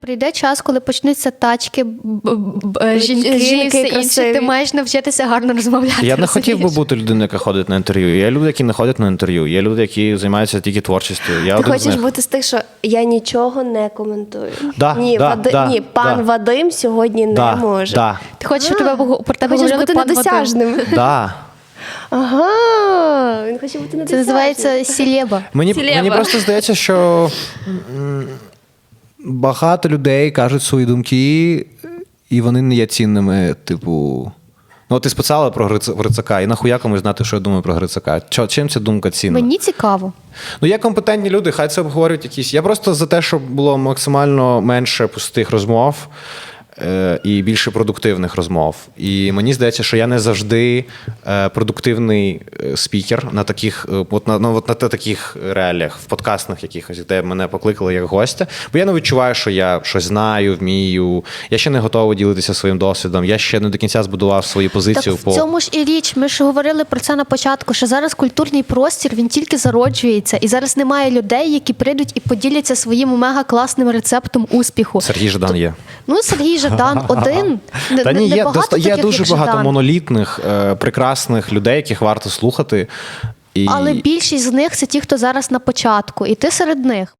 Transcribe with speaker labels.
Speaker 1: Прийде час, коли почнуться тачки, жінки, все інше, ти маєш навчитися гарно розмовляти.
Speaker 2: Я не хотів би бути людиною, яка ходить на інтерв'ю. Є люди, які не ходять на інтерв'ю. Є люди, які займаються тільки творчістю.
Speaker 3: Ти хочеш бути з тих, що я нічого не коментую.
Speaker 2: Да,
Speaker 3: Ні, пан Вадим сьогодні не може.
Speaker 1: Ти хочеш, щоб про тебе
Speaker 3: Хочеш
Speaker 1: говорили
Speaker 3: бути
Speaker 1: пан Вадим?
Speaker 3: недосяжним.
Speaker 2: Да.
Speaker 3: Ага, він хоче бути недосяжним.
Speaker 1: Це називається сілеба.
Speaker 2: Мені просто здається, що багато людей кажуть свої думки, і вони не є цінними, типу... Ну, ти списала про Грицака, і нахуя комусь знати, що я думаю про Грицака? Чим ця думка цінна?
Speaker 1: Мені цікаво.
Speaker 2: Ну, є компетентні люди, хай це обговорюють якісь. Я просто за те, щоб було максимально менше пустих розмов і більше продуктивних розмов. І мені здається, що я не завжди продуктивний спікер на таких, на таких реаліях, в подкастах якихось, де мене покликали як гостя. Бо я не відчуваю, що я щось знаю, вмію. Я ще не готовий ділитися своїм досвідом. Я ще не до кінця збудував свою позицію.
Speaker 1: Так в цьому ж і річ. Ми ж говорили про це на початку, що зараз культурний простір, він тільки зароджується. І зараз немає людей, які прийдуть і поділяться своїм мега-класним рецептом успіху.
Speaker 2: Сергій Жадан є.
Speaker 1: Ну, Сергій Жадан один.
Speaker 2: Та ні, є дуже
Speaker 1: як
Speaker 2: багато
Speaker 1: Жадан.
Speaker 2: монолітних, прекрасних людей, яких варто слухати.
Speaker 1: Але більшість з них – це ті, хто зараз на початку. І ти серед них.